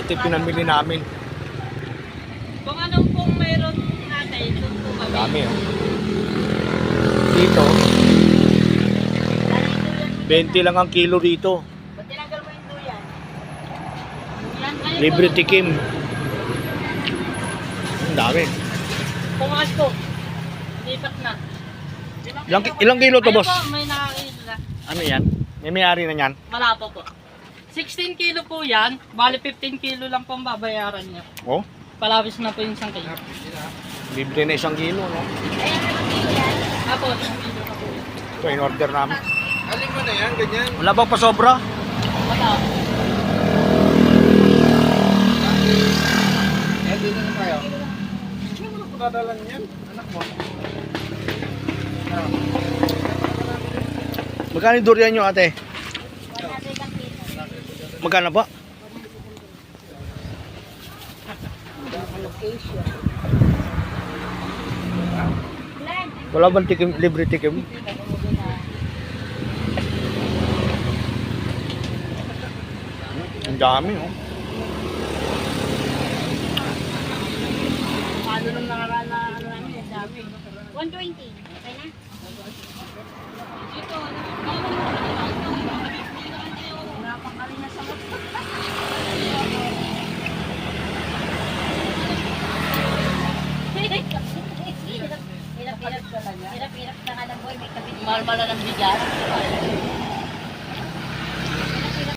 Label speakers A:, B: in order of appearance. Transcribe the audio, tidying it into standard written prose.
A: ito yung pinamili namin.
B: Kung anong pong meron natin, doon po kami.
A: Dami oh. Dito, 20 lang ang kilo dito.
B: Ba't tinanggal mo yung duyan? Yan, ayun
A: Libre
B: po.
A: tikim. Ang dami.
B: Pumakas po. Lipat na.
A: Ilang kilo to,
B: Ayun
A: boss?
B: po, may nakakita na.
A: Ano yan? May may-ari na yan?
B: Wala po po. 16 kilo po yan. Bali 15 kilo lang po ang babayaran niya.
A: Oh,
B: Palawis na po yung isang kilo.
A: libre na 1 kilo, no?
B: Apo, isang kilo na po.
A: Ito, in-order namin.
C: Alin mo na yan, ganyan.
A: Wala bang pasobra?
B: Wala po.
C: Eh, dito na tayo. Ano mo pagkadalan yan? Anak mo.
A: Magkano yung durian nyo, ate? Magkano po? Wala bang tikim, libre tikim? Ang dami, oh.
B: Paano nung nakaraan na ano namin, ang dami.
D: 120. Okay na?
B: Dito, napakali na sa mga.
D: Hirap-hirap ka lang. Hirap-hirap ka nga lang boy. May kabit.
B: Mahal-mahal ng bigas.